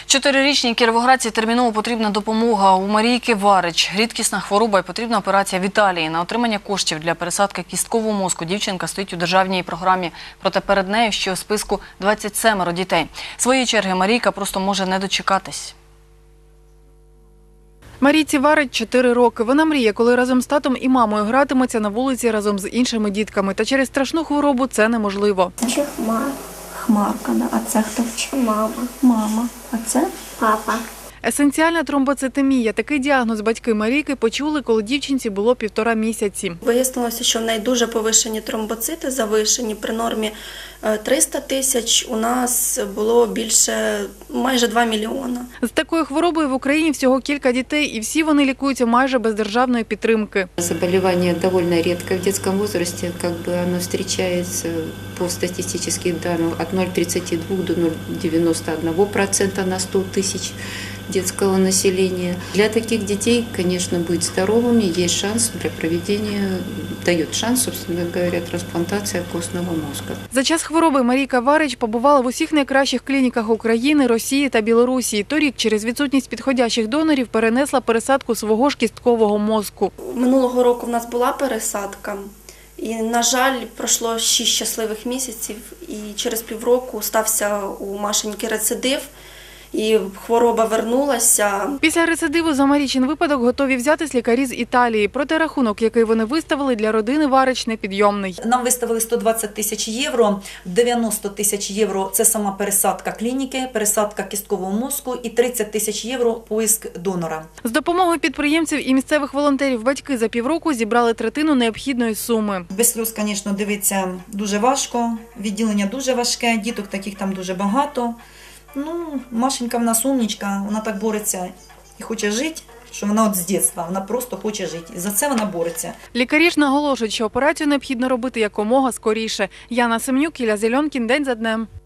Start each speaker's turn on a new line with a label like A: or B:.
A: 4-річній кіровоградці терміново потрібна допомога. У Марійки Варич рідкісна хвороба і потрібна операція в Італії. На отримання коштів для пересадки кісткового мозку дівчинка стоїть у державній програмі. Проте перед нею ще у списку 27 дітей. Своєї черги Марійка просто може не дочекатись.
B: Марійці Варич 4 роки. Вона мріє, коли разом з татом і мамою гратиметься на вулиці разом з іншими дітками. Та через страшну хворобу це неможливо.
C: Це Хмарка, да. А це хто? Мама. А це папа.
B: Есенціальна тромбоцитемія. Такий діагноз батьки Марійки почули, коли дівчинці було 1,5 місяці.
D: Вияснилося, що в неї дуже повишені тромбоцити, завишені. При нормі 300 тисяч у нас було більше, майже 2 мільйона.
B: З такою хворобою в Україні всього кілька дітей, і всі вони лікуються майже без державної підтримки.
E: Заболевание довольно редко в детском возрасте, оно встречается по статистическим данным от 0,32 до 0,91% на 100 тысяч детского населения. Для таких детей, конечно, быть здоровыми есть шанс для проведения, дает шанс, собственно говоря, трансплантация костного мозга.
B: За час хвороби Марійка Варич побувала в усіх найкращих клініках України, Росії та Білорусі. Торік через відсутність підходящих донорів перенесла пересадку свого ж кісткового мозку.
D: Минулого року в нас була пересадка. І, на жаль, пройшло 6 щасливих місяців, і через півроку стався у Машеньки рецидив, і хвороба вернулася.
B: Після рецидиву за Марійчин випадок готові взятись лікарі з Італії. Проте рахунок, який вони виставили, для родини Варич непідйомний.
F: Нам виставили 120 тисяч євро, 90 тисяч євро – це сама пересадка клініки, пересадка кісткового мозку і 30 тисяч євро – поиск донора.
B: З допомогою підприємців і місцевих волонтерів батьки за півроку зібрали третину необхідної суми.
F: Без сльоз, звісно, дивитися дуже важко, відділення дуже важке, діток таких там дуже багато. Машенька в нас умничка, вона так бореться і хоче жити, що вона от з дитинства, вона просто хоче жити. І за це вона бореться.
B: Лікарі ж наголошують, що операцію необхідно робити якомога скоріше. Яна Семнюк, Ілля Зельонкін, день за днем.